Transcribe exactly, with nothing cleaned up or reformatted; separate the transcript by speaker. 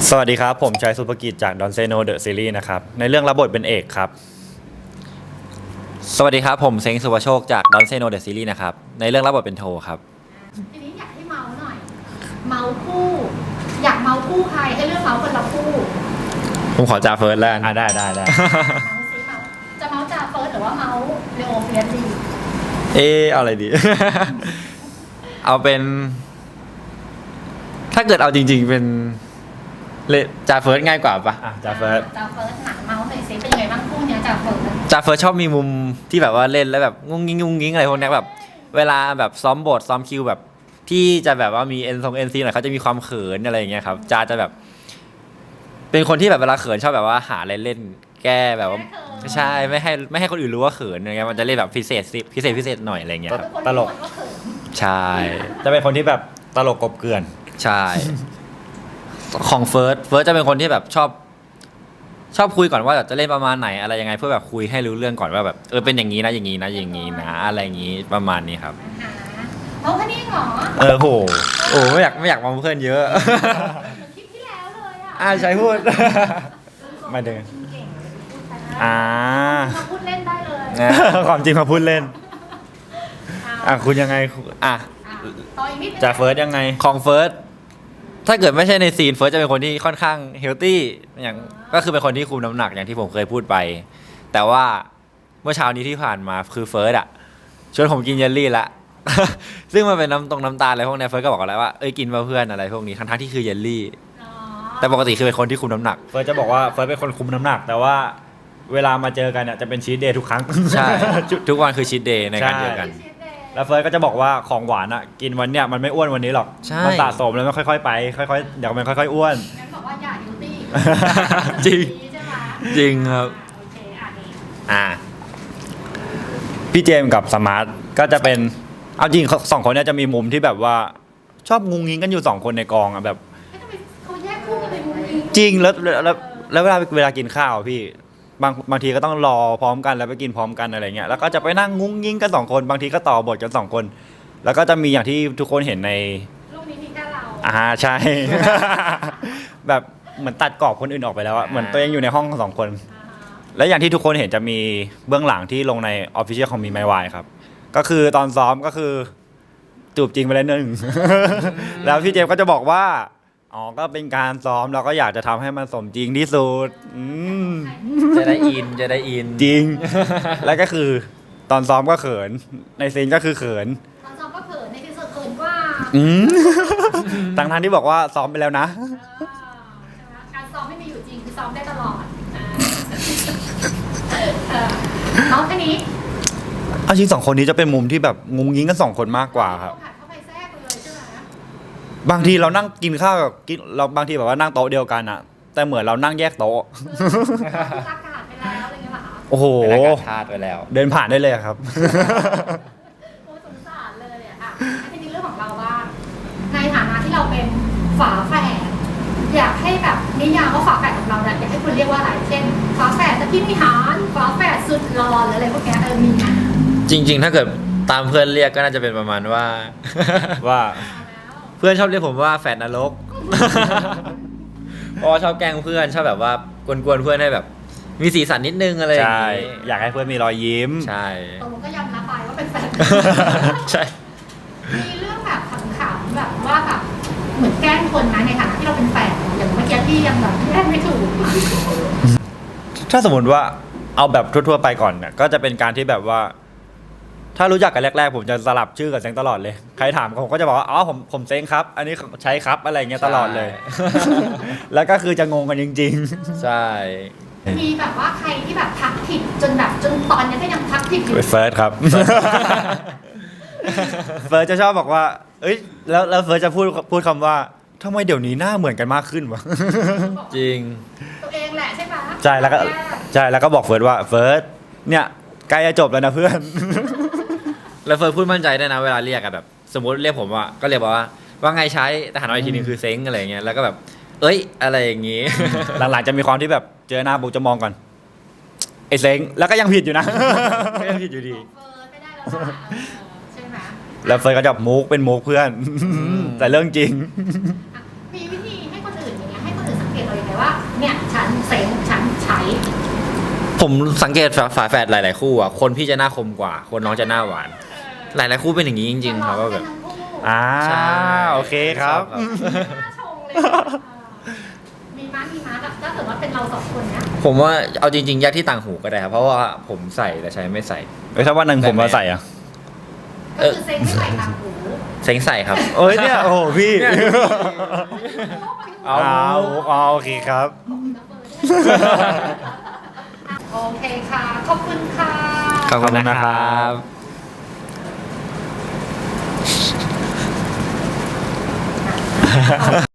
Speaker 1: สวัสดีครับผมชัยสุภกิจจากดอนเซโนเดอะซีรีส์นะครับในเรื่องรับบทเป็นเอกครับ
Speaker 2: สวัสดีครับผมเซ้งสุภโชคจากดอนเซโนเดอะซีรีส์นะครับในเรื่องรับบทเป็นโทครับ
Speaker 3: ทีนี้อยากให้เมาส์หน่อย เมาส์คู่ อยากเมาส์คู่ใครให้เลือกเมาส์คนละคู่
Speaker 2: ผมขอจ่าเฟิร์สแล้วกัน
Speaker 1: อ่าได้ได้ได้
Speaker 3: เมาส์ซิเมาส์จะเมาส์จาเฟิร์สหรือว่าเมาส์เลโอเฟียสดี
Speaker 2: เออเอาอะไรดี เอาเป็น ถ้าเกิดเอาจริงๆเป็นเลจ่าเฟิร์สง่ายกว่าปะ
Speaker 1: อ่ะจาเฟิร์ส
Speaker 3: จาเฟิร์สหาเมาส์หน่อยซิเป็นยังไงบ้างคู่เนี้ยจาเฟิร์ส
Speaker 2: จ่าเฟิร์สชอบมีมุมที่แบบว่าเล่นแล้วแบบงุ้งงิ้งงุ้งงิ้งอะไรพวกเนี้ยแบบ เวลาแบบซ้อมบทซ้อมคิวแบบที่จะแบบว่ามีเอ็นทรงเอ็นซีหน่อยเขาจะมีความเขินอะไรอย่างเงี้ยครับจ่าจะแบบ เป็นคนที่แบบเวลาเขินชอบแบบว่าหาอะไรเล่น แก้แบบว่าใช่ไม่ให้ไม่ให้คนอื่นรู้ว่าเขินอะไรเงี้ยมันจะเล่นแบบพิเศษสิพิเศษพิเศษหน่อยอะไรเงี้ยครับ
Speaker 1: ตลก
Speaker 2: ใช่
Speaker 1: จะเป็นคนที่แบบตลกกบเกลื่อน
Speaker 2: ใช่ ของเฟิร์สเฟิร์สจะเป็นคนที่แบบชอบ ชอบคุยก่อนว่าจะเล่นประมาณไหนอะไรยังไงเพื่อแบบคุยให้รู้เรื่องก่อนว่าแบบเออเป็นอย่างนี้นะอย่างนี้นะอย่างนี้นะอะไรอย่างนี้ประมาณนี้ครับ
Speaker 3: เมาส์แค่นี้เหรอ
Speaker 1: เออโห
Speaker 2: โอ้ไม่อยากไม่อยากมองเพื่อนเยอะ
Speaker 3: เหมือนคลิปที่แล้วเลยอ่ะ
Speaker 2: อ่าใช้พูด
Speaker 1: ไม่เดิน
Speaker 3: เก่งพูดไปได้
Speaker 1: อ่า
Speaker 3: มาพูดเล่นได้เลย
Speaker 2: นะ
Speaker 1: ความจริงมาพูดเล่นอ่ะคุณยังไง
Speaker 2: อ่ะ
Speaker 3: อ่ะต่ออีกนิดนึง
Speaker 1: จาเฟิร์สยังไง
Speaker 2: ของเฟิร์สถ้าเกิดไม่ใช่ในซีนเฟิร์สจะเป็นคนที่ค่อนข้างเฮลตี้อย่างก็คือเป็นคนที่คุมน้ำหนักอย่างที่ผมเคยพูดไป แต่ว่าเมื่อเช้านี้ที่ผ่านมาคือเฟิร์สอะชวนผมกินเยลลี่ละ ซึ่งมันเป็นน้ำตรงน้ำตาลอะไรพวกเนี้ยเฟิร์สก็บอกกันแล้วว่าเอ้ยกินมาเพื่อนอะไรพวกนี้ทั้งๆที่คือเยลลี่
Speaker 3: อ๋อ
Speaker 2: แต่ปกติคือเป็นคนที่คุมน้ำหนัก
Speaker 1: เฟิร์สจะบอกว่าเฟิร์สเป็นคนคุมน้ำหนัก แต่ว่าเวลามาเจอกันเนี่ยจะเป็นชีทเดย์ทุกครั้ง
Speaker 2: ใช่ ทุกวันคือชีทเดย์ในการ
Speaker 1: ใช่
Speaker 2: เจอกัน
Speaker 3: ชีสเดย์
Speaker 1: แล้วเฟิร์สก็จะบอกว่าของหวานอ่ะกินวันเนี้ยมันไม่อ้วนวันนี้หรอก
Speaker 2: ใช่
Speaker 1: มันสะสมแล้วมันค่อยๆไปค่อยๆเดี๋ยวมันค่อยๆอ้วน
Speaker 3: งั้นบอกว่าอย่าดิวตี้
Speaker 2: จริง
Speaker 3: ใช่ไหม
Speaker 2: จริงครับ
Speaker 3: โอเคอ่ะนี่
Speaker 1: อ่าพี่เจมส์กับสมาร์ทก็จะเป็นเอาจริงเขาสองคนเนี้ยจะมีมุมที่แบบว่าชอบงุงงิงกันอยู่สองคนในกองอ่ะแบบ
Speaker 3: ไม่ต้องไปเขาแยกคู่กันเลยมุมนี้
Speaker 1: จริงแล้วแล้วแล้วเวลาเวลากินข้าวอะพี่บางบางทีก็ต้องรอพร้อมกันแล้วไปกินพร้อมกันอะไรเงี้ยแล้วก็จะไปนั่งงุ้งงิงกันสองคนบางทีก็ต่อบทกันสองคน แล้วก็จะมีอย่างที่ทุกคนเห็นใน
Speaker 3: รูปนี้มีแค่เรา
Speaker 1: อ่าใช่ แบบเหมือนตัดกรอบคนอื่นออกไปแล้วอะเหมือนตัวเองอยู่ในห้องสองคน
Speaker 3: อ่าฮะ
Speaker 1: และอย่างที่ทุกคนเห็นจะมีเบื้องหลังที่ลงในออฟฟิเชียลของมีไมวายครับ ก็คือตอนซ้อมก็คือจูบจริงไปแล้วหนึ่ง แล้วพี่เจมส์ก็จะบอกว่า อ๋อ ก็เป็นการซ้อมเราก็อยากจะทำให้มันสมจริงที่สุดอืม
Speaker 2: จะได้อินจะได้อิน
Speaker 1: จริง แล้วก็คือตอนซ้อมก็เขิน ในซีนก็คือเขิน
Speaker 3: ตอนซ้อมก็เขินในที่สุดเขินกว่า
Speaker 1: อืม ทั้งทที่บอกว่าซ้อมไปแล้วนะ
Speaker 3: เออใช่ไหมการซ้อมไม่มีอยู่จริงคือซ้อมได้ตลอดอ่าเออเอาแค่นี้
Speaker 1: เอาจริงสองคนนี้จะเป็นมุมที่แบบงุ้งยิงกันสองคนมากกว่าครับ
Speaker 3: ผัดเข้าไปแทรกเลยใช่ไหม
Speaker 1: บางทีเรานั่งกินข้าวกับกินเราบางทีแบบว่านั่งโต๊ะเดียวกันอะแต่เหมือนเรานั่งแยกโต๊ะ
Speaker 3: อากาศไปแล้วอะไรเงี้ยเหรอคะ
Speaker 1: โอ้โห
Speaker 2: เป็นอากาศธาตุไปแล้ว
Speaker 1: เดินผ่านได้เลยครับ
Speaker 3: โอ้ยสงสารเลยอ่ะอ่ะทีนี้เรื่องของเราบ้างในฐานะที่เราเป็นฝาแฝดอยากให้แบบนิยามว่าฝาแฝดของเราเนี่ยอยากให้คุณเรียกว่าอะไรเช่นฝาแฝดสกินนิหารฝาแฝดสุดหล่อหรืออะไรพวกเนี้ยเออมีไหม
Speaker 2: จริง ๆ ถ้าเกิดตามเพื่อนเรียกก็น่าจะเป็นประมาณว่า
Speaker 1: ว่า
Speaker 2: เพื่อนชอบเรียกผมว่าแฟนนรก เพราะว่าชอบแกล้งเพื่อนชอบแบบว่ากวนๆเพื่อนให้แบบ มีสีสันนิดนึงอะไรอย่าง
Speaker 1: ใช่
Speaker 2: งี้
Speaker 1: อยากให้เพื่อนมีรอยยิ้ม
Speaker 2: ใช่
Speaker 3: ตกลงก็ยอมรับไปว่าเป็นแฟน
Speaker 2: ใช่
Speaker 3: มีเรื่องแบบขำๆแบบว่าแบบเหมือนแกล้งคนนะในฐานะที่เราเป็นแฟนอย่างเมื่อกี้ที่ยังแบบแกล้งไม่ถูก
Speaker 1: ถ้าสมมติว่าเอาแบบทั่วๆไปก่อนเนี่ยก็จะเป็นการที่แบบว่า ถ้ารู้จักกันแรกๆ ผมจะสลับชื่อกับเซ้งตลอดเลย ใครถามผมก็จะบอกว่าอ๋อผมผมเซ้งครับ อันนี้ใช้ครับอะไรเงี้ยตลอดเลย แล้วก็คือจะงงกันจริง
Speaker 2: ใช่
Speaker 3: มีแบบว่าใครที่แบบทักผิดจนแบบจนตอนนี้ก็ยังทักผิดอยู่
Speaker 1: ๆ เฟิร์สครับ เฟิร์สจะชอบบอกว่า เอ้ยแล้วแล้วเฟิร์สจะพูดพูดคำว่าทำไมเดี๋ยวนี้หน้าเหมือนกันมากขึ้นวะ
Speaker 2: จริง
Speaker 3: ตัวเองแหละใช่ไหม
Speaker 1: ใช่แล้วก็ใช่แล้วก็บอกเฟิร์สว่าเฟิร์สเนี่ยใกล้จะจบแล้วนะเพื่อน
Speaker 2: แล้วเฟิร์นพูดมั่นใจด้วยนะเวลาเรียกอะแบบ สมมติเรียกผมว่าก็เรียกบอกว่าว่าไงใช้แต่หันมาอีกทีนึงคือเซ้งอะไรเงี้ยแล้วก็แบบ เอ้ยอะไรอย่างงี้
Speaker 1: หลังๆจะมีความที่แบบเจอหน้าบุ๊กจะมองก่อนไอ้เซ้งแล้วก็ยังผิดอยู่นะ ก็ยังผิดอยู่ดี
Speaker 3: เฟิร์นไม่ได้แล้วล่ะเออใช่ไหม
Speaker 1: แล้วเฟิร์สก็จะมุกเป็นมุกเพื่อน แต่เรื่องจริง
Speaker 3: อ่ะมีวิธีให้คนอื่นอย่างเงี้ยให้คนอื่นสังเกตเนี่ยฉันเซ็งฉันใช้
Speaker 2: ผมสังเกตฝาฝาแฝดหลาย ๆ คู่อ่ะคนพี่จะหน้าคมกว่า คนน้องจะหน้าหวาน หลาย ๆ คู่เป็นอย่างนี้จริง ๆ ครับว่าแบบ
Speaker 1: อ่า
Speaker 2: ใช่
Speaker 1: โอเคครับ
Speaker 2: ชอบครับ
Speaker 3: น่าชงเลยอ่ะมีม้ามีม้าแบบถ้าเกิดว่าเป็นเราสองคนนะ
Speaker 2: ผมว่าเอาจริง ๆ ยัดที่ต่างหูก็ได้ครับ เพราะว่าผมใส่แต่ใช้ไม่ใส่
Speaker 1: เอ้ยถ้าวันหนึ่งผมมาใส่อ่ะ
Speaker 3: ก็คือเซ็งไม่ใส่ต่างหู
Speaker 2: เซ็งใส่ครับ
Speaker 1: เอ้ยเนี่ยโอ้โหพี่
Speaker 2: เอา
Speaker 1: เอาเอาโอเคครับ
Speaker 3: โอเคค่ะ ขอบคุณค่ะ
Speaker 2: ขอบคุณนะครับ
Speaker 3: อ่ะ